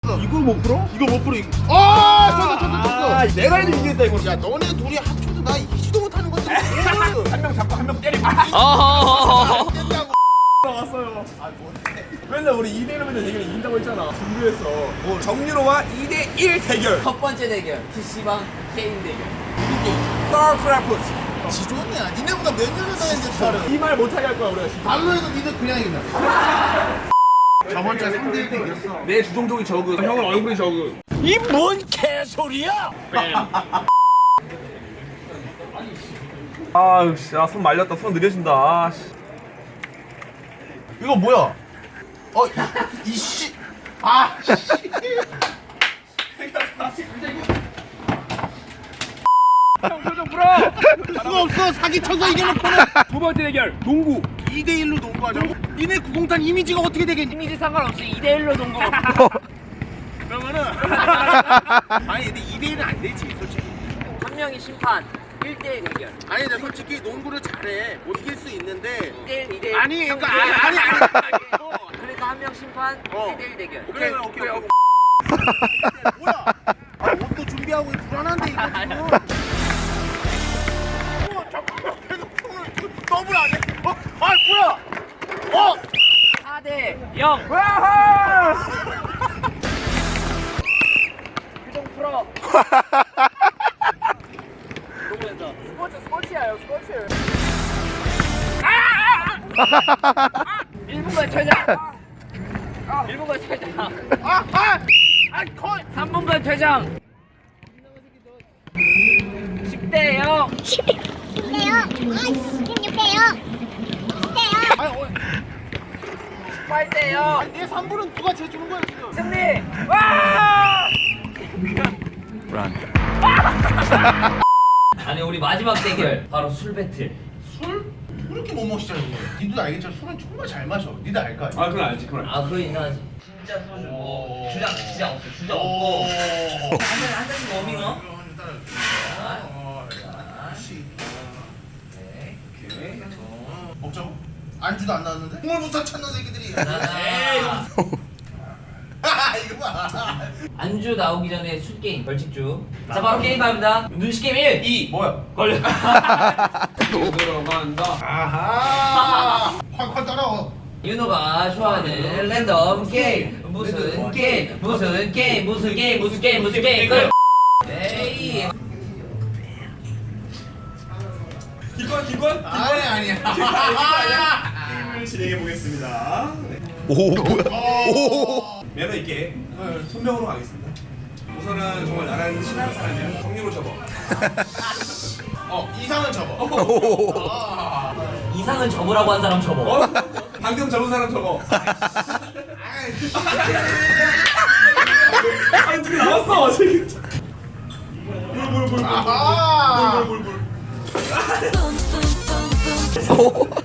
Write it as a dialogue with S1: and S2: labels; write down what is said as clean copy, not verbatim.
S1: 이걸 못 풀어?
S2: 이거 못 풀어 이거.
S1: 아, 내가 해도 이기겠다 이거.
S2: 야 너네 둘이 합쳐도 나 이기지도 못하는 건데.
S1: 한 명 잡고 한 명 때리고.
S2: 깼다고.
S1: 나왔어요. 아 뭔데? 맨날 우리 2대1로 맨날 대결 이긴다고 했잖아. 준비했어. 정유로와 2대1 대결.
S3: 첫 번째 대결 PC방 게임 대결.
S1: 스타크래프트.
S2: 지존이야. 니네보다 몇 년을 더 했는데 팔을.
S1: 이 말 못하게 할 거야 우리가.
S2: 발로 해도 니네 그냥 이긴다. 저번 주에 3대1 이겼어.
S1: 내 주종종이 저그, 형은 얼굴이 저그. 이 뭔 개소리야? 아유 씨, 손 말렸다. 손 느려진다. 아, 씨.
S2: 이거 뭐야? 이씨. 아 씨.
S1: 형 표정 풀어.
S2: 수가 없어. 사기 쳐서 이겨놓고는.
S1: 두 번째 대결 농구.
S2: 2대1로 농구하자고? 니네 구공탄 이미지가 어떻게 되겠니?
S3: 이미지 상관없이 2대1로 동거.
S2: 그러면은 아니 근데 2대1은 안 되지 솔직히.
S3: 한 명이 심판 1대1 대결.
S2: 아니 근데 솔직히 농구를 잘해 못 이길 수 있는데
S3: 2대1 2대1.
S2: 아니 그러니까 아니
S3: 그러니까 한 명 심판 1대1 대결.
S2: 오케이 뭐야? 아 옷도 준비하고 불안한데 이거 지금. 잠깐만 계속 폰을 더블 안 해? 아 뭐야?
S3: 4대 0. 표정 풀어. 스포츠야요 스포츠. 1분간 퇴장. 1분간 퇴장. 3분간 퇴장. 10대 0.
S4: 16대요. 16대요. 16대요.
S3: 8대 0.
S2: 내 3분은 누가 재주는 거야 지금?
S3: 승리. 와! 아니 우리 마지막 대결 바로 술 배틀.
S2: 술? 그렇게 못 마시잖아 이게. 니도 알겠지만 술은 정말 잘 마셔. 니도 알 거 아니야?
S1: 아 그건 알지, 그건 알지.
S3: 아 그거 인정하지. 진짜 소주 뭐 주장 진짜 없어. 주장 없고. 한 잔씩 워밍업.
S2: 먹자고? 안주도 안 나왔는데? 국물부터 찾는 새끼들이. 이거 봐.
S3: 안주 나오기 전에 술 게임 벌칙주. 자 바로 게임 갑니다. 눈치 게임 1, 2
S1: 뭐야?
S3: 걸려.
S1: 들어간다.
S2: 아하. 확 따라와.
S3: 윤호가 좋아하는 랜덤 게임. 무슨 게임? 무슨 게임? 무슨 게임? 무슨 게임? 무슨 게임? 끝. 에이.
S1: 기권?
S2: 아니야.
S1: 게임을 진행해 보겠습니다.
S5: 오 뭐야?
S1: 매너 있게 손명으로 가겠습니다. 우선은 정말 나라는 친한 사람이야. 정리로 접어.
S2: 이상은 접어.
S3: 이상은 접으라고 한 사람 접어.
S1: 방금 접은 사람 접어. 아니 둘이 나왔어 지금. 물.
S2: 아하.
S1: 물.